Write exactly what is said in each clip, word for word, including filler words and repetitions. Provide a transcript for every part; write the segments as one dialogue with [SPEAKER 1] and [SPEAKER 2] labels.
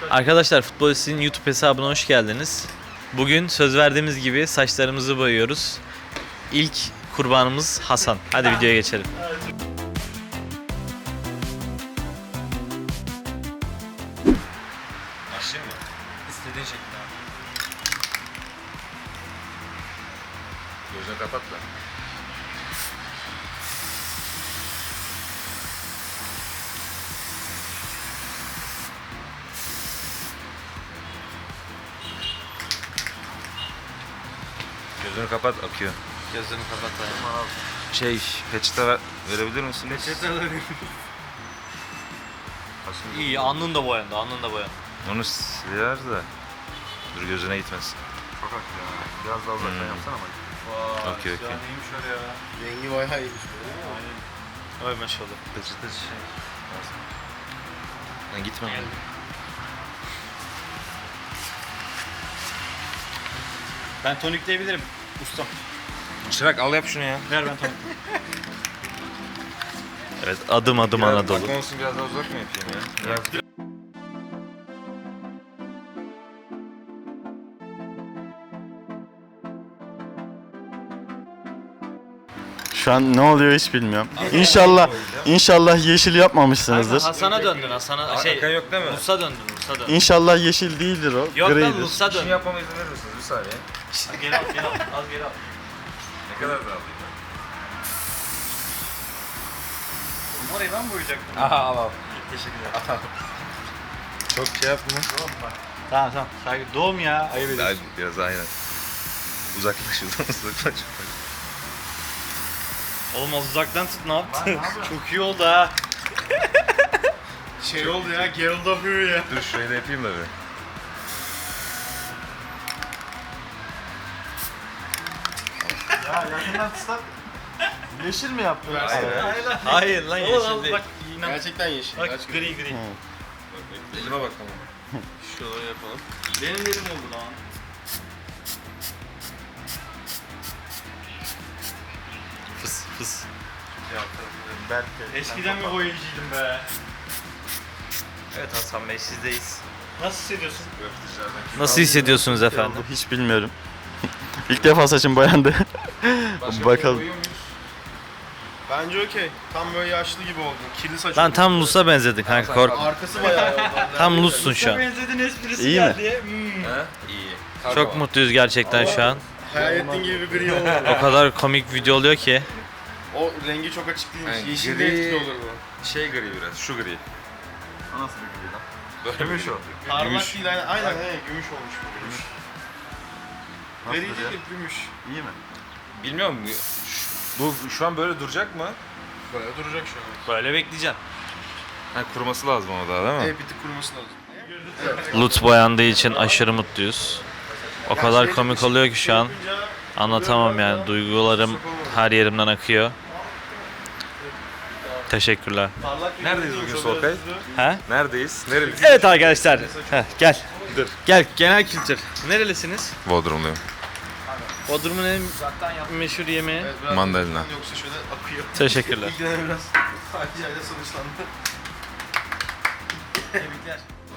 [SPEAKER 1] Arkadaşlar Futbolist'in YouTube hesabına hoş geldiniz. Bugün söz verdiğimiz gibi saçlarımızı boyuyoruz. İlk kurbanımız Hasan. Hadi videoya geçelim.
[SPEAKER 2] Başlayayım mı?
[SPEAKER 3] İstediğin şekilde abi.
[SPEAKER 2] Gözünü kapat da. Gözünü kapat, akıyor.
[SPEAKER 3] Gözlerini kapatayım.
[SPEAKER 2] Şey, peçete ver, verebilir misin?
[SPEAKER 3] Peçete alayım.
[SPEAKER 2] Aslında
[SPEAKER 1] İyi, alnın da boyandı, alnın da boyandı.
[SPEAKER 2] onu siler de. Dur gözüne gitmesin.
[SPEAKER 3] Çok haklı ya. Biraz daha uzaktan
[SPEAKER 2] Hmm.
[SPEAKER 3] yapsana bak.
[SPEAKER 2] Vay, okey, okey.
[SPEAKER 3] neymiş öyle ya?
[SPEAKER 4] Rengi bayağı iyiymiş.
[SPEAKER 3] Aynen.
[SPEAKER 1] Ay maşallah.
[SPEAKER 2] Peçete şey. Lan gitme.
[SPEAKER 3] Ben tonikleyebilirim ustam.
[SPEAKER 2] Çırak al yap şunu ya.
[SPEAKER 3] Ver ben tonik.
[SPEAKER 1] Evet, adım adım Anadolu.
[SPEAKER 2] Bakma olsun, biraz daha uzak mı yapayım ya? Ya.
[SPEAKER 4] Şu an ne oluyor hiç bilmiyorum. İnşallah inşallah yeşil yapmamışsınızdır.
[SPEAKER 1] Hasan'a döndün, Hasan'a
[SPEAKER 2] Şey,
[SPEAKER 1] şey,
[SPEAKER 2] yok değil mi?
[SPEAKER 1] Musa döndün, Musa döndün.
[SPEAKER 4] İnşallah yeşil değildir o.
[SPEAKER 1] Yok lan
[SPEAKER 4] Greydir.
[SPEAKER 1] Musa
[SPEAKER 2] Şunu
[SPEAKER 1] döndün.
[SPEAKER 2] yapmama izin verir misiniz? Bir saniye.
[SPEAKER 1] Geri al, geri al, al geri al.
[SPEAKER 2] Ne kadar daha alayım?
[SPEAKER 3] Orayı ben boyayacaktım.
[SPEAKER 2] Aha al al.
[SPEAKER 3] Teşekkürler.
[SPEAKER 2] Çok şey yapma.
[SPEAKER 3] Tamam tamam. Saygı. Doğum ya. Ayıp
[SPEAKER 2] Daha
[SPEAKER 3] ediyorsun.
[SPEAKER 2] biraz aynen. Uzaklaş şuradan uzaklaş.
[SPEAKER 1] Oğlum az uzaktan tut, ne yaptın?
[SPEAKER 3] Lan ne yapıyorsun?
[SPEAKER 1] Çok iyi oldu ha.
[SPEAKER 3] Şey oldu ya. Gerald of Rivia ya.
[SPEAKER 2] Dur şurayı da yapayım da bir.
[SPEAKER 3] Ya yakından tutsak.
[SPEAKER 4] Yeşil mi yaptın?
[SPEAKER 1] Hayır lan, yeşil değil.
[SPEAKER 3] Bak inan.
[SPEAKER 4] Gerçekten yeşil.
[SPEAKER 1] Bak gri gri.
[SPEAKER 2] Elime bak ama.
[SPEAKER 1] Şöyle yapalım.
[SPEAKER 3] Benim elim oldu lan.
[SPEAKER 1] Fıs fıs.
[SPEAKER 3] Eskiden mi boyayıcıydım be?
[SPEAKER 1] Evet Hasan Bey, sizdeyiz.
[SPEAKER 3] Nasıl hissediyorsun?
[SPEAKER 1] Nasıl hissediyorsunuz efendim?
[SPEAKER 4] Hiç bilmiyorum. İlk defa saçım boyandı. Bakalım.
[SPEAKER 5] Bence okey. Tam böyle yaşlı gibi oldun. Kirli saç.
[SPEAKER 1] Lan tam Lus'a benzedin kanka, korkma.
[SPEAKER 5] Arkası bayağı oldu.
[SPEAKER 1] Tam Lus'sun şu an.
[SPEAKER 3] Benzedin esprisi
[SPEAKER 4] İyi mi?
[SPEAKER 3] geldi. Hmm.
[SPEAKER 2] He? İyi.
[SPEAKER 1] Çok mutluyuz gerçekten şu an.
[SPEAKER 5] Hayal ettiğin gibi bir gri oldu.
[SPEAKER 1] O kadar komik video oluyor ki.
[SPEAKER 5] O rengi çok açık değilmiş.
[SPEAKER 2] Yani
[SPEAKER 5] Yeşil
[SPEAKER 2] gri-
[SPEAKER 5] de etkili olur bu.
[SPEAKER 2] Şey gri biraz, şu gri.
[SPEAKER 3] Nasıl bir gülü lan?
[SPEAKER 2] Böyle gümüş o.
[SPEAKER 5] Parlak
[SPEAKER 2] Gümüş.
[SPEAKER 5] değil aynen. Aynen he, gümüş olmuş bu. Gümüş. Gri değil de gümüş.
[SPEAKER 4] İyi mi?
[SPEAKER 2] Bilmiyorum. Bu şu an böyle duracak mı?
[SPEAKER 5] Böyle duracak şu an.
[SPEAKER 1] Böyle bekleyeceğim.
[SPEAKER 2] Ha, kuruması lazım ama daha değil mi?
[SPEAKER 5] Evet bir tık kuruması lazım.
[SPEAKER 1] Lut boyandığı için aşırı mutluyuz. O kadar komik oluyor ki şu an. Anlatamam yani. Duygularım her yerimden akıyor. Teşekkürler.
[SPEAKER 2] Neredeyiz bugün Solkay?
[SPEAKER 1] He?
[SPEAKER 2] Neredeyiz? Nereliyiz?
[SPEAKER 1] Evet arkadaşlar. Heh, gel. Dur. Gel, genel kültür. Nerelisiniz?
[SPEAKER 2] Bodrumluyum.
[SPEAKER 1] Bodrum'un en meşhur yemeği.
[SPEAKER 5] Evet, biraz
[SPEAKER 2] Mandalina.
[SPEAKER 5] Yoksa şöyle akıyor.
[SPEAKER 1] Teşekkürler.
[SPEAKER 5] İlgilen biraz. Faciayla sonuçlandı.
[SPEAKER 3] Tebrikler.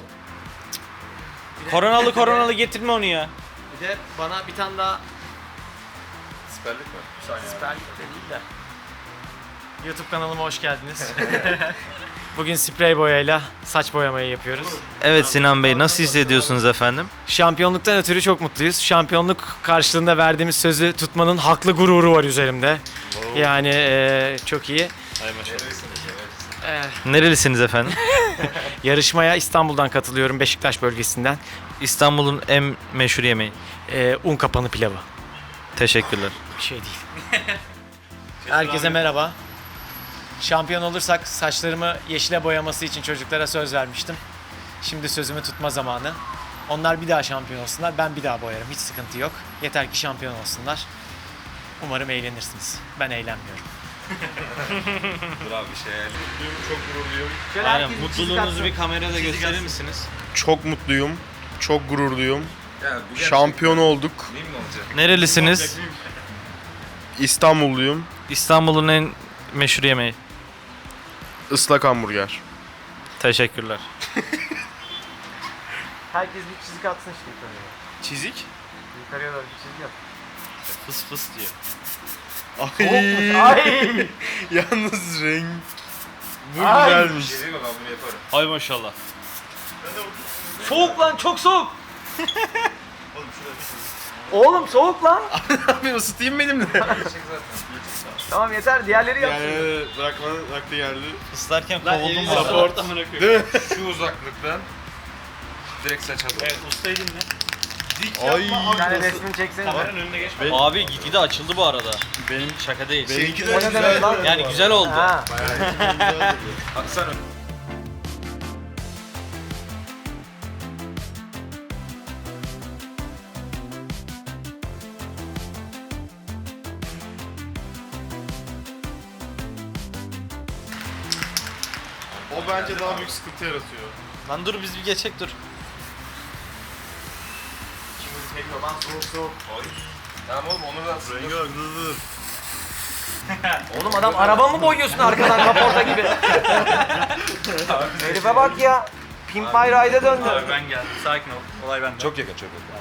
[SPEAKER 1] Koronalı koronalı getirme onu ya.
[SPEAKER 3] Bir de bana bir tane daha
[SPEAKER 2] Siperlik mi?
[SPEAKER 3] siperlik de değil de. YouTube kanalıma hoş geldiniz. Bugün sprey boyayla saç boyamayı yapıyoruz.
[SPEAKER 1] Evet Sinan Bey, nasıl hissediyorsunuz efendim?
[SPEAKER 3] Şampiyonluktan ötürü çok mutluyuz. Şampiyonluk karşılığında verdiğimiz sözü tutmanın haklı gururu var üzerimde. Yani eee, çok iyi. Eee,
[SPEAKER 1] Nerelisiniz efendim?
[SPEAKER 3] yarışmaya İstanbul'dan katılıyorum, Beşiktaş bölgesinden.
[SPEAKER 1] İstanbul'un en meşhur yemeği.
[SPEAKER 3] Eee, un kapanı pilavı.
[SPEAKER 1] Teşekkürler.
[SPEAKER 3] Bir şey değil. Herkese merhaba. Şampiyon olursak saçlarımı yeşile boyaması için çocuklara söz vermiştim. Şimdi sözümü tutma zamanı. Onlar bir daha şampiyon olsunlar, ben bir daha boyarım. Hiç sıkıntı yok. Yeter ki şampiyon olsunlar. Umarım eğlenirsiniz. Ben eğlenmiyorum.
[SPEAKER 2] Dur abi bir şey
[SPEAKER 5] Çok gururluyum.
[SPEAKER 1] Aynen, mutluluğunuzu bir kamerada gösterir misiniz?
[SPEAKER 5] Çok mutluyum. Çok gururluyum.
[SPEAKER 2] Yani bu
[SPEAKER 5] Şampiyon olduk.
[SPEAKER 2] Değil mi olacak?
[SPEAKER 1] Nerelisiniz?
[SPEAKER 5] İstanbulluyum.
[SPEAKER 1] İstanbul'un en meşhur yemeği.
[SPEAKER 5] Islak hamburger.
[SPEAKER 1] Teşekkürler.
[SPEAKER 3] Herkes bir çizik atsın işte yukarıya.
[SPEAKER 5] Çizik.
[SPEAKER 3] Yukarıya doğru bir çizik yap.
[SPEAKER 1] Fıs fıs diyor.
[SPEAKER 5] Ay.
[SPEAKER 3] Ay!
[SPEAKER 5] Yalnız renk. Bu
[SPEAKER 3] Ay.
[SPEAKER 5] güzelmiş.
[SPEAKER 2] Bir şey değil mi, ben bunu yaparım.
[SPEAKER 1] Hay maşallah.
[SPEAKER 3] Soğuk lan, çok soğuk. Oğlum soğuk lan.
[SPEAKER 5] Abi ısıtayım benimle.
[SPEAKER 2] Çek zaten.
[SPEAKER 3] Tamam yeter, diğerleri yapsın.
[SPEAKER 5] Yani bırakma vakti geldi.
[SPEAKER 1] Islarken kovuldum.
[SPEAKER 5] Support. Değil mi?
[SPEAKER 2] Şu uzaklıktan direkt saç alalım.
[SPEAKER 1] Evet ustayı dinle.
[SPEAKER 5] Ay.
[SPEAKER 3] Bir tane resmini çeksene.
[SPEAKER 1] Kameranın önüne geç. Abi gitgide açıldı bu arada. Benim şaka değil.
[SPEAKER 5] Benimki
[SPEAKER 3] O
[SPEAKER 5] de
[SPEAKER 3] ne demek
[SPEAKER 5] güzel.
[SPEAKER 3] lan?
[SPEAKER 1] Yani güzel oldu.
[SPEAKER 3] Ha.
[SPEAKER 2] Hasan
[SPEAKER 5] O bence daha büyük sıkıntı yaratıyor.
[SPEAKER 1] Lan dur biz bir geçek dur.
[SPEAKER 3] Lan soğuk soğuk.
[SPEAKER 2] Tamam oğlum, Onur da atsın.
[SPEAKER 5] Rengi bak dur dur.
[SPEAKER 3] Oğlum adam araba mı boyuyorsun arkadan kaporta gibi? Herife bak ya. Pimp My Ride'e döndü.
[SPEAKER 1] ben geldim. Sakin ol. Olay bende.
[SPEAKER 2] Çok yakın, çok yakın.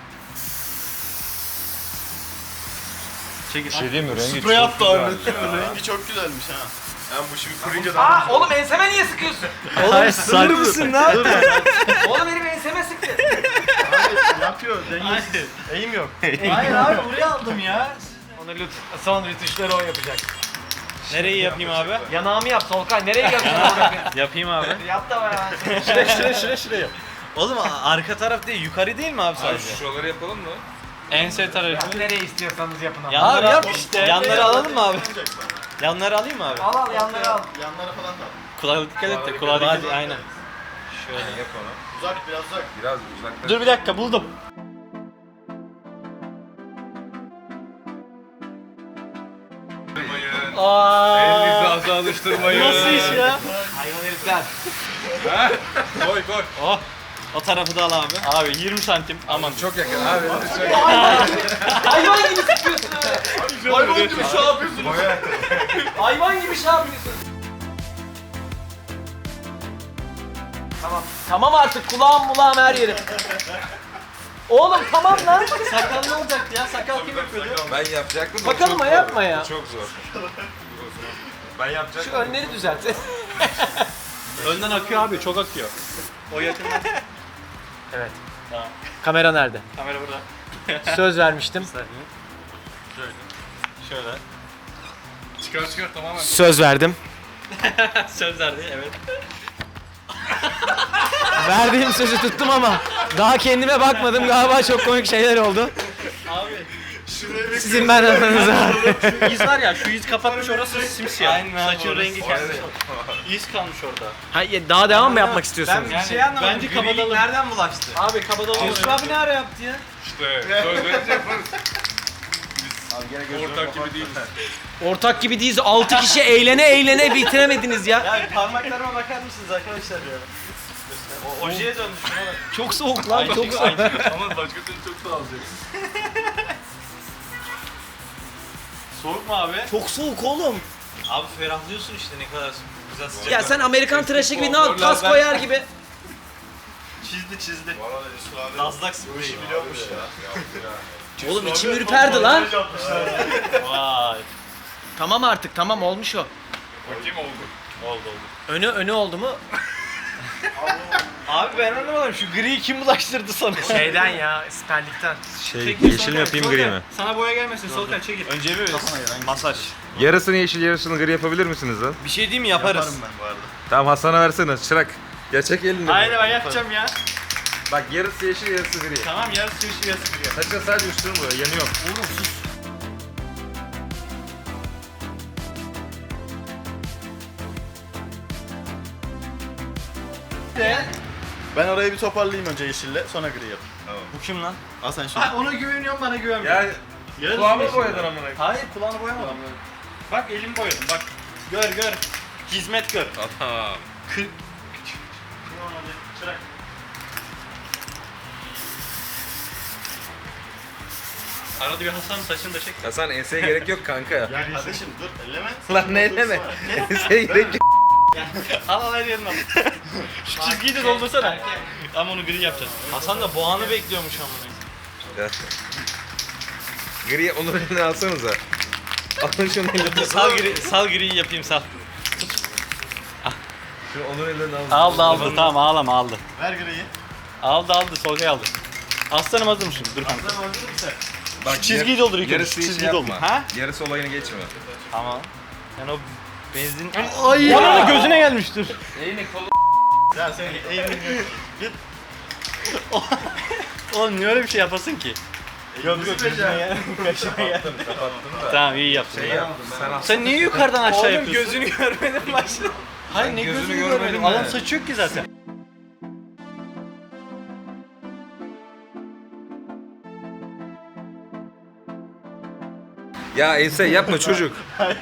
[SPEAKER 1] Çekil.
[SPEAKER 2] Bir şey diyeyim mi? Rengi
[SPEAKER 5] Sprey
[SPEAKER 2] çok
[SPEAKER 5] attı
[SPEAKER 2] güzel
[SPEAKER 5] abi.
[SPEAKER 2] ya.
[SPEAKER 5] Rengi çok güzelmiş ha. Yani bu şimdi kuruyunca daha
[SPEAKER 3] Aa oğlum enseme niye sıkıyorsun?
[SPEAKER 1] Oğlum sınır mısın lan?
[SPEAKER 3] Oğlum benim enseme sıktı.
[SPEAKER 5] yapıyor. Dengesiz. Eğim yok.
[SPEAKER 1] Hayır abi buraya aldım ya.
[SPEAKER 3] Onu lüt son rütuşları o yapacak.
[SPEAKER 1] Nereyi yapayım abi?
[SPEAKER 3] Yanağımı yap Solkay. Nereye yapıyorsun?
[SPEAKER 1] Yapayım abi.
[SPEAKER 3] Yap da bana.
[SPEAKER 1] Şuraya şuraya şuraya şuraya yap. Oğlum arka taraf değil yukarı değil mi abi
[SPEAKER 2] Abi
[SPEAKER 1] sadece?
[SPEAKER 2] şuraları yapalım mı?
[SPEAKER 1] Ense tarafı.
[SPEAKER 3] Nereye istiyorsanız yapın ama.
[SPEAKER 1] Yanları
[SPEAKER 3] Abi
[SPEAKER 1] yap
[SPEAKER 3] yap
[SPEAKER 1] işte. Yanları alalım mı abi? Yanları alayım mı abi?
[SPEAKER 3] Al al yanları al.
[SPEAKER 5] Yanlara falan da.
[SPEAKER 1] Kulağa dikkat et de kulağa dikkat et. Aynen. Şöyle.
[SPEAKER 2] Yap onu.
[SPEAKER 5] Uzak biraz uzak.
[SPEAKER 2] Biraz uzakta.
[SPEAKER 1] Dur bir dakika buldum. Aa.
[SPEAKER 2] Elinizi az alıştırmayın.
[SPEAKER 1] Nasıl iş ya?
[SPEAKER 3] Hayvan herifler.
[SPEAKER 2] Koy koy.
[SPEAKER 1] Oh. O tarafı da al abi. Abi yirmi santim. Aman.
[SPEAKER 2] Çok yakın abi.
[SPEAKER 3] Hayvan gibi sıkıyorsun öyle.
[SPEAKER 5] Hayvan gibi şey yapıyorsun.
[SPEAKER 2] Boya.
[SPEAKER 3] Hayvan gibi şey yapıyorsun. Tamam. Tamam artık kulağım mulağım her yerim. Oğlum tamam lan.
[SPEAKER 1] Sakal ne olacaktı ya? Sakal kim yapıyordu?
[SPEAKER 2] Ben yapacaktım. da
[SPEAKER 3] Bakalım
[SPEAKER 2] çok
[SPEAKER 3] mı,
[SPEAKER 2] zor.
[SPEAKER 3] yapma ya.
[SPEAKER 2] Bu Çok zor. Ben
[SPEAKER 3] Şu
[SPEAKER 2] yapacaktım.
[SPEAKER 3] önleri düzelt.
[SPEAKER 1] Önden akıyor abi. Çok akıyor. O yakından.
[SPEAKER 3] Evet.
[SPEAKER 1] Tamam.
[SPEAKER 3] Kamera nerede?
[SPEAKER 1] Kamera burada.
[SPEAKER 3] Söz vermiştim.
[SPEAKER 1] Şöyle. Şöyle.
[SPEAKER 5] Çıkar çıkar tamamen.
[SPEAKER 3] Söz verdim.
[SPEAKER 1] Söz verdi evet.
[SPEAKER 3] Verdiğim sözü tuttum ama daha kendime bakmadım. Galiba çok komik şeyler oldu.
[SPEAKER 1] Abi.
[SPEAKER 5] Şuraya bir
[SPEAKER 3] Sizin ben aranıza.
[SPEAKER 1] Şu iz var ya, şu iz kapatmış orası simsiyah. Aynen. Saçın rengi kendi. İz kalmış orada.
[SPEAKER 3] Hayır, daha devam mı yapmak istiyorsunuz?
[SPEAKER 1] Ben bir şey anlamadım. Bence kabadalım. Nereden bulaştı? Abi kabadalım. Yusuf abi ne ara yaptı ya?
[SPEAKER 2] İşte söz verince yaparız. Biz ortak gibi değiliz.
[SPEAKER 3] Ortak gibi değiliz. altı kişi eğlene eğlene bitiremediniz ya.
[SPEAKER 1] Ya parmaklarıma bakar mısınız arkadaşlar ya? O ojeye dönmüş.
[SPEAKER 3] Çok soğuk lan, çok soğuk.
[SPEAKER 5] Ama başka türlü çok sağ olacaksın.
[SPEAKER 1] Soğuk mu abi?
[SPEAKER 3] Çok soğuk oğlum.
[SPEAKER 1] Abi ferahlıyorsun işte ne kadar güzel sıcak.
[SPEAKER 3] Ya sen Amerikan tıraşı gibi ne yap? Tas koyar gibi.
[SPEAKER 1] Çizdi çizdi.
[SPEAKER 5] Valla Yusuf abi.
[SPEAKER 1] Nazlak spreyi.
[SPEAKER 5] Biliyormuş ya.
[SPEAKER 3] Oğlum içim ürperdi lan.
[SPEAKER 1] Vay.
[SPEAKER 3] Tamam artık, tamam olmuş o.
[SPEAKER 2] Bakayım oldu.
[SPEAKER 1] Oldu oldu.
[SPEAKER 3] Önü önü oldu mu?
[SPEAKER 1] Abi ben anlamadım şu griyi kim bulaştırdı sana?
[SPEAKER 3] Şeyden ya, siperlikten.
[SPEAKER 2] Şey, yeşil mi yapayım gri mi?
[SPEAKER 1] Sana boya gelmesin Solkan çekil. Önce bir masaj.
[SPEAKER 2] Yarısını yeşil yarısını gri yapabilir misiniz lan?
[SPEAKER 1] Bir şey diyeyim mi yaparız.
[SPEAKER 5] Yaparım ben bu arada.
[SPEAKER 2] Tamam Hasan'a versene çırak. Ya çek elini.
[SPEAKER 1] Aynen ben yapacağım ya.
[SPEAKER 2] Bak yarısı yeşil yarısı gri.
[SPEAKER 1] Tamam yarısı yeşil yarısı gri.
[SPEAKER 2] Saçın sadece üstünü boya yanıyor.
[SPEAKER 5] Ben orayı bir toparlayayım önce yeşille sonra gri yap.
[SPEAKER 1] Bu kim lan?
[SPEAKER 5] Al sen şunu.
[SPEAKER 1] Ha, ona güveniyorum bana güvenmiyorum.
[SPEAKER 2] Ya
[SPEAKER 1] Yarısı
[SPEAKER 2] kulağımı
[SPEAKER 1] yeşil.
[SPEAKER 2] boyadın amına.
[SPEAKER 1] Hayır kulağını boyamadım. Bak elimi boyadım bak. Gör gör. Hizmet gör.
[SPEAKER 2] Tamam.
[SPEAKER 1] Kır. Çırak. Arada bir Hasan saçını da çek.
[SPEAKER 2] Hasan enseye gerek yok kanka.
[SPEAKER 5] Ya kardeşim dur elleme.
[SPEAKER 2] Lan ne elleme? Enseye gerek yok.
[SPEAKER 3] Al al her yerini al. Şu çizgiyi de doldursana. Ama onu gri yapacağız.
[SPEAKER 1] Hasan da boğanı bekliyormuş amına.
[SPEAKER 2] Ya. Gri Onur eline alsanıza. Alın şunu eline.
[SPEAKER 1] Sal gri, sal griyi yapayım sal.
[SPEAKER 2] Şunu Onur eline alın.
[SPEAKER 3] Aldı aldı tamam ağlama aldı.
[SPEAKER 5] Ver griyi.
[SPEAKER 3] Aldı aldı Solkay aldı. Aslanım hazır mısın? Dur kanka.
[SPEAKER 2] Bak,
[SPEAKER 3] Çizgiyi doldur ilk önce.
[SPEAKER 2] Yarısı hiç
[SPEAKER 3] Çizgiyi
[SPEAKER 2] yapma.
[SPEAKER 3] doldur. Ha?
[SPEAKER 2] Yarısı olayını geçme.
[SPEAKER 1] Tamam. Yani o benzin...
[SPEAKER 3] Ay. Ona da gözüne gelmiştir.
[SPEAKER 5] Ya sen eğilin.
[SPEAKER 3] Oğlum niye öyle bir şey yapasın ki?
[SPEAKER 5] Yok yok.
[SPEAKER 2] Kapattım da.
[SPEAKER 3] Tamam iyi yaptın.
[SPEAKER 2] Şey yaptım sen al.
[SPEAKER 3] Sen niye yukarıdan aşağı
[SPEAKER 1] Oğlum
[SPEAKER 3] yapıyorsun?
[SPEAKER 1] gözünü görmedim başta.
[SPEAKER 3] Hayır
[SPEAKER 2] Ben
[SPEAKER 3] ne
[SPEAKER 2] gözünü
[SPEAKER 3] gözünü,
[SPEAKER 2] görmedim
[SPEAKER 3] görmedim.
[SPEAKER 2] ben.
[SPEAKER 3] Adam saçı yok ki zaten.
[SPEAKER 2] Ya Ese yapma çocuk.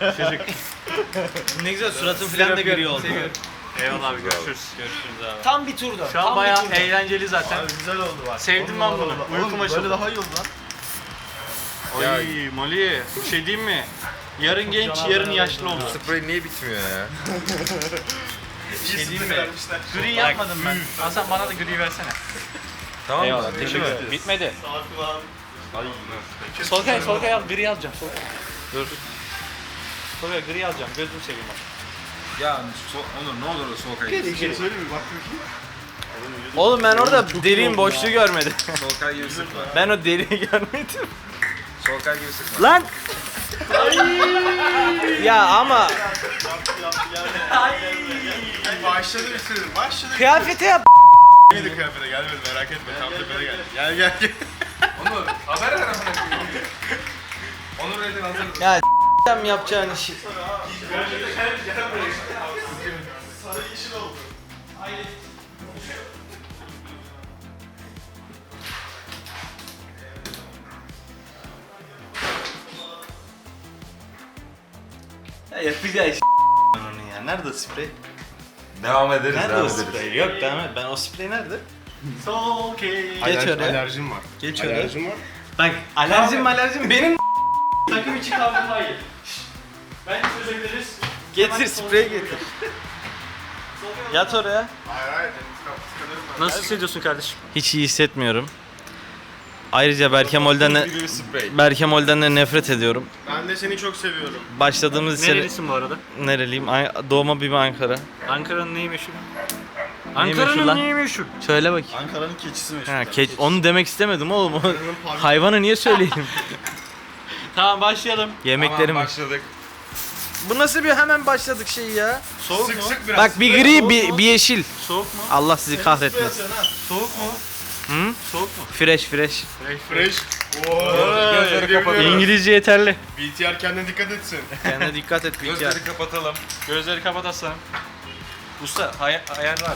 [SPEAKER 1] Ne güzel suratın falan da gri oldu.
[SPEAKER 3] Eyvallah abi görüşürüz.
[SPEAKER 1] Görüşürüz abi.
[SPEAKER 3] Tam bir turda. Şu an
[SPEAKER 1] Tam bir
[SPEAKER 3] bayağı
[SPEAKER 1] turda.
[SPEAKER 3] eğlenceli zaten.
[SPEAKER 5] Abi güzel oldu bak.
[SPEAKER 3] Sevdim ben bunu. Uykum açıldı.
[SPEAKER 5] Böyle daha iyi oldu lan.
[SPEAKER 3] Oy Mali bir şey diyeyim mi? Yarın genç, yarın yaşlı olur.
[SPEAKER 2] Sprey niye bitmiyor ya?
[SPEAKER 3] Bir şey diyeyim mi? Gri yapmadım ben. Hasan bana da gri versene.
[SPEAKER 2] Tamam
[SPEAKER 3] Eyvallah.
[SPEAKER 2] mı?
[SPEAKER 3] Teşekkür ederim. Bitmedi.
[SPEAKER 5] Saati var.
[SPEAKER 3] Solkay, Solkay al, gri alacağım. Solkay. Dur. Solkay gri alacağım. Gözünü seveyim bak.
[SPEAKER 2] Ya so Onur ne olur o Solkay.
[SPEAKER 5] Bir şey söyleyeyim mi? Bak bakayım.
[SPEAKER 1] Oğlum ben orada derin boşluğu görmedim.
[SPEAKER 2] Solkay gibi sıkma.
[SPEAKER 1] Ben o deriyi görmedim.
[SPEAKER 2] Solkay gibi sıkma.
[SPEAKER 1] Lan! Ya ama
[SPEAKER 5] Başladı bir sürü. Başladı.
[SPEAKER 1] kıyafete yap.
[SPEAKER 5] Gelmedi kıyafete gelmedi merak etme. Tam tepede geldi. Gel gel gel.
[SPEAKER 2] Onur haber ver amına koyayım. Onur elden hazır.
[SPEAKER 1] Ya s**tim yapacağın işi.
[SPEAKER 5] Sarı yeşil oldu.
[SPEAKER 1] Ya yapacağı iş onun ya. Nerede o sprey?
[SPEAKER 2] Devam ederiz.
[SPEAKER 1] Nerede
[SPEAKER 2] devam
[SPEAKER 1] o
[SPEAKER 2] ederiz.
[SPEAKER 1] sprey? Yok devam et. Ben o sprey nerede?
[SPEAKER 5] Okey.
[SPEAKER 1] Geç oraya.
[SPEAKER 5] Alerjim var.
[SPEAKER 1] Geç oraya.
[SPEAKER 5] Alerjim var.
[SPEAKER 1] Bak alerjim alerjim benim
[SPEAKER 3] Takım içi kavga hayır. Bence çözebiliriz.
[SPEAKER 1] getir sprey getir. Yat oraya.
[SPEAKER 5] Hayır hayır. Tıkanırım ben.
[SPEAKER 3] Nasıl hissediyorsun kardeşim?
[SPEAKER 1] Hiç iyi hissetmiyorum. Ayrıca Berkemol'den de,
[SPEAKER 2] Gibi bir sprey.
[SPEAKER 1] Berkemol'den de nefret ediyorum.
[SPEAKER 5] Ben de seni çok seviyorum.
[SPEAKER 1] Başladığımız sene
[SPEAKER 3] Nerelisin bu arada?
[SPEAKER 1] nereliyim? Ay- Doğma büyüme Ankara.
[SPEAKER 3] Ankara'nın neyi meşhur?
[SPEAKER 1] Neyi meşhur
[SPEAKER 3] Ankara'nın
[SPEAKER 1] lan?
[SPEAKER 3] neyi meşhur?
[SPEAKER 1] Söyle bakayım.
[SPEAKER 5] Ankara'nın keçisi meşhur.
[SPEAKER 1] Ha, keç- onu demek istemedim oğlum. O
[SPEAKER 5] Ankara'nın pavyonu.
[SPEAKER 1] hayvanı niye söyleyeyim?
[SPEAKER 3] Tamam başlayalım.
[SPEAKER 1] Yemeklerim.
[SPEAKER 2] Tamam başladık.
[SPEAKER 1] Bu nasıl bir hemen başladık şey ya?
[SPEAKER 3] Soğuk
[SPEAKER 5] Sık
[SPEAKER 3] mu?
[SPEAKER 5] sık biraz.
[SPEAKER 1] Bak bir gri bir, bir yeşil.
[SPEAKER 3] Soğuk mu?
[SPEAKER 1] Allah sizi kahretmesin.
[SPEAKER 3] Soğuk mu?
[SPEAKER 1] Hı?
[SPEAKER 3] Soğuk mu?
[SPEAKER 1] Fresh fresh.
[SPEAKER 5] Fresh.
[SPEAKER 2] Gözleri kapatalım.
[SPEAKER 1] İngilizce yeterli.
[SPEAKER 5] B T R kendine dikkat etsin.
[SPEAKER 1] Kendine dikkat et Gözleri...
[SPEAKER 2] Gözleri kapatalım.
[SPEAKER 3] Gözleri kapat aslanım. Usta hay ayarlar.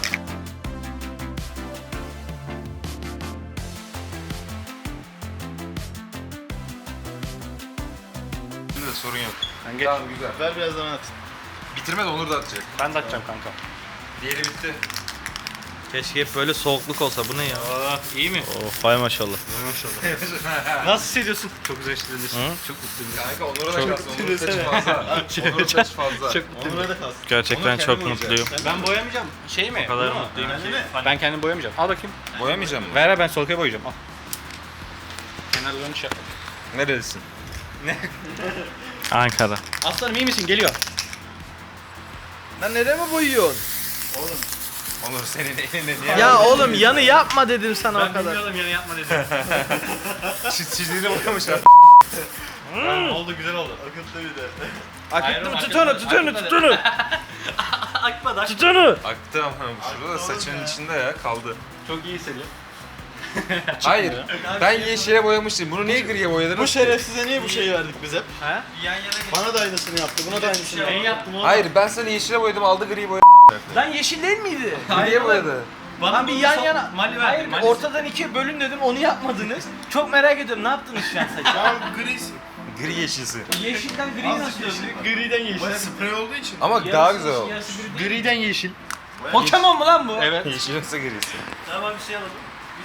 [SPEAKER 2] Şimdi de sorun yok.
[SPEAKER 3] Ben geç.
[SPEAKER 2] Tamam güzel.
[SPEAKER 5] Ver biraz zaman at.
[SPEAKER 2] Bitirme de Onur da atacak.
[SPEAKER 3] Ben de atacağım kanka.
[SPEAKER 2] Diğeri bitti.
[SPEAKER 1] Keşke hep böyle soğukluk olsa. Bu ne ya?
[SPEAKER 3] Aa, iyi mi?
[SPEAKER 1] Of hay maşallah.
[SPEAKER 3] Nasıl hissediyorsun? Çok güzel hissediyorsun.
[SPEAKER 1] Hı?
[SPEAKER 3] Çok mutluyum.
[SPEAKER 2] Kanka Onur'a da kalsın. Onur'un saçı fazla. Onur'un saçı fazla.
[SPEAKER 3] Çok mutluyum.
[SPEAKER 5] Onlara da kalsın.
[SPEAKER 1] Gerçekten
[SPEAKER 2] Onu
[SPEAKER 1] çok
[SPEAKER 2] kendim
[SPEAKER 1] mutluyum.
[SPEAKER 3] Ben boyamayacağım. Şey mi?
[SPEAKER 1] O kadar
[SPEAKER 3] Bu mu?
[SPEAKER 1] mutluyum ki.
[SPEAKER 3] Ben kendim boyamayacağım. Al bakayım.
[SPEAKER 2] Boyamayacağım mı?
[SPEAKER 3] Ver ver ben Solkay'a boyayacağım. Al. Kenarlarını şey yap.
[SPEAKER 2] Nerelisin?
[SPEAKER 1] Ankara.
[SPEAKER 3] Aslanım iyi misin? Geliyor.
[SPEAKER 1] Lan nereye mi boyuyorsun?
[SPEAKER 2] Onur senin elinde niye?
[SPEAKER 1] Ya oğlum yanı yapma dedim sana
[SPEAKER 3] Ben
[SPEAKER 1] o kadar.
[SPEAKER 3] bilmiyordum yani yapma dedim.
[SPEAKER 2] Çiz, çizdiğini boyamış ha.
[SPEAKER 3] Oldu güzel oldu.
[SPEAKER 5] Akıntı bir de.
[SPEAKER 1] Akıttı mı?
[SPEAKER 3] Hayır,
[SPEAKER 1] Tut onu,
[SPEAKER 3] akıtmadı,
[SPEAKER 1] tut onu,
[SPEAKER 3] akıtmadı.
[SPEAKER 1] tut onu.
[SPEAKER 3] Akmadı
[SPEAKER 1] Tut onu.
[SPEAKER 2] Aktı ama şurada da saçının içinde ya kaldı.
[SPEAKER 3] Çok iyi hissediyorum.
[SPEAKER 2] Hayır. Ben yeşile boyamıştım. Bunu niye griye boyadınız?
[SPEAKER 5] Bu şerefsize niye bu şeyi verdik biz hep?
[SPEAKER 3] Ha?
[SPEAKER 5] Bana da aynısını yaptı. Buna da aynısını
[SPEAKER 3] Ben
[SPEAKER 5] yaptı.
[SPEAKER 3] yaptım oğlum.
[SPEAKER 2] Hayır ben sana yeşile boyadım aldı griyi boyadı.
[SPEAKER 1] Lan yeşil değil miydi?
[SPEAKER 2] Griye boyadı.
[SPEAKER 1] Lan bir yan yana.
[SPEAKER 3] Mali
[SPEAKER 1] Hayır,
[SPEAKER 3] verdim. Mali
[SPEAKER 1] ortadan ikiye bölün dedim onu yapmadınız. Çok merak ediyorum ne yaptınız şu an saçı?
[SPEAKER 5] Tamam grisin.
[SPEAKER 2] Gri yeşilsi.
[SPEAKER 1] Yeşilden gri nasıl döndü?
[SPEAKER 3] Griden yeşil.
[SPEAKER 5] Baya sprey olduğu için.
[SPEAKER 2] Ama daha güzel oldu.
[SPEAKER 3] Griden yeşil.
[SPEAKER 1] Pokemon mu lan bu?
[SPEAKER 3] Evet.
[SPEAKER 2] Yeşil nasıl grisi?
[SPEAKER 1] Tamam bir şey alalım.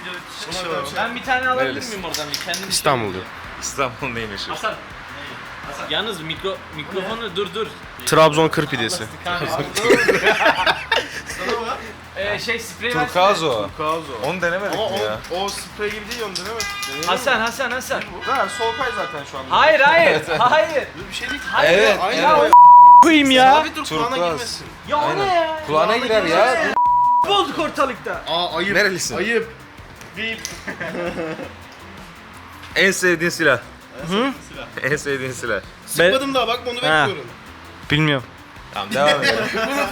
[SPEAKER 5] Buna da bir şey-
[SPEAKER 1] Ben bir tane alabilir
[SPEAKER 2] Nerelisin?
[SPEAKER 1] miyim oradan bir kendim?
[SPEAKER 2] İstanbul'da. İstanbul'un neyi meşhur?
[SPEAKER 3] Hasan.
[SPEAKER 1] Yalnız mikro mikrofonu dur dur.
[SPEAKER 5] Trabzon kır pidesi.
[SPEAKER 3] Ee, şey sprey ver.
[SPEAKER 2] Turkazo.
[SPEAKER 5] Kazo.
[SPEAKER 2] Onu denemedik
[SPEAKER 5] Ama
[SPEAKER 2] mi ya?
[SPEAKER 5] o, o sprey gibi değil onu değil mi?
[SPEAKER 1] Hasan Hasan Hasan.
[SPEAKER 5] Ver Solkay zaten şu anda.
[SPEAKER 3] Hayır hayır hayır.
[SPEAKER 5] Bir şey değil.
[SPEAKER 3] Hayır.
[SPEAKER 2] Evet,
[SPEAKER 5] Aynı
[SPEAKER 2] evet.
[SPEAKER 5] boy.
[SPEAKER 3] Koyayım ya.
[SPEAKER 5] Abi dur kulağına
[SPEAKER 2] Turkuaz.
[SPEAKER 5] girmesin.
[SPEAKER 3] Ya o ne ya?
[SPEAKER 2] Kulağına girer ya.
[SPEAKER 3] Bozduk ortalıkta.
[SPEAKER 5] Aa ayıp.
[SPEAKER 2] Nerelisin?
[SPEAKER 5] Ayıp. Bip.
[SPEAKER 2] En sevdiğin silah. Hı? En sevdiğin silah.
[SPEAKER 5] Sıkmadım daha bakma onu bekliyorum.
[SPEAKER 3] Bilmiyorum.
[SPEAKER 2] Tamam devam edelim.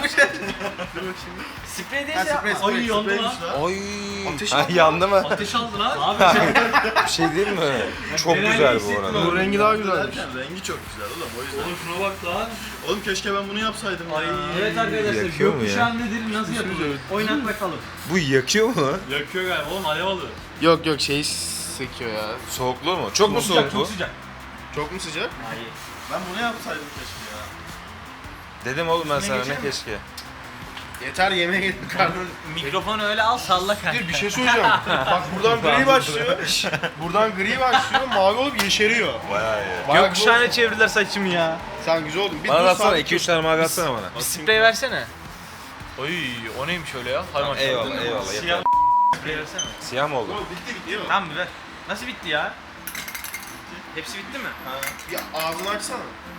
[SPEAKER 3] Sprey değil
[SPEAKER 5] Ha,
[SPEAKER 3] ya.
[SPEAKER 5] sprey, sprey, spreymiş lan.
[SPEAKER 2] Oy.
[SPEAKER 5] Ateş
[SPEAKER 2] Ha,
[SPEAKER 5] aldı
[SPEAKER 2] yandı mı?
[SPEAKER 3] Ateş aldı lan. Abi
[SPEAKER 2] Bir şey değil mi? Çok güzel bu arada.
[SPEAKER 5] Bu rengi daha güzelmiş.
[SPEAKER 6] Rengi çok güzel oğlum o yüzden.
[SPEAKER 3] Oğlum şuna bak lan.
[SPEAKER 6] Oğlum keşke ben bunu yapsaydım ya.
[SPEAKER 3] Evet arkadaşlar
[SPEAKER 2] Yakıyor mu ya?
[SPEAKER 3] gökkuşağı nedir nasıl yapılır? Oynat bakalım.
[SPEAKER 2] Bu yakıyor mu?
[SPEAKER 3] Yakıyor galiba oğlum alev alıyor.
[SPEAKER 5] Yok yok şey sekiyor ya.
[SPEAKER 2] Soğukluğu mu? Çok mu soğuk bu?
[SPEAKER 3] sıcak.
[SPEAKER 5] Çok mu sıcak?
[SPEAKER 3] Hayır.
[SPEAKER 6] Ben bunu yapsaydım keşke ya.
[SPEAKER 2] Dedim oğlum ben sana ne keşke.
[SPEAKER 5] Yeter yemeğe git karnın.
[SPEAKER 3] Mikrofonu öyle al salla kanka.
[SPEAKER 5] Bir şey söyleyeceğim. Bak buradan gri başlıyor. Buradan gri başlıyor, mavi olup yeşeriyor.
[SPEAKER 2] Bayağı iyi.
[SPEAKER 5] Bayağı
[SPEAKER 3] Gökkuşağına çevirdiler saçımı ya.
[SPEAKER 5] Sen güzel oldun. Bir
[SPEAKER 2] Bana
[SPEAKER 5] dur,
[SPEAKER 2] da atsana
[SPEAKER 5] sabit
[SPEAKER 2] iki üç tane mavi atsana bana.
[SPEAKER 3] Bir sprey versene. Oy o neymiş öyle ya? Hayvan
[SPEAKER 2] Eyvallah eyvallah
[SPEAKER 3] Siyah
[SPEAKER 2] yeter.
[SPEAKER 3] sprey versene.
[SPEAKER 2] Siyah mı oldu?
[SPEAKER 5] dur. Bitti bitti yok.
[SPEAKER 3] Tamam bir ver. Nasıl bitti ya? Hepsi bitti mi?
[SPEAKER 5] Ya ağzını açsana.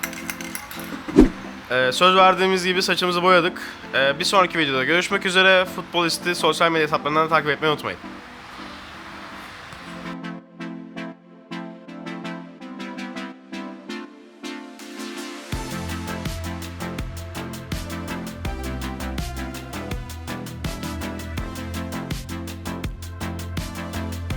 [SPEAKER 5] Ee, söz verdiğimiz gibi saçımızı boyadık. Ee, bir sonraki videoda görüşmek üzere. Futbolisti sosyal medya hesaplarından takip etmeyi unutmayın.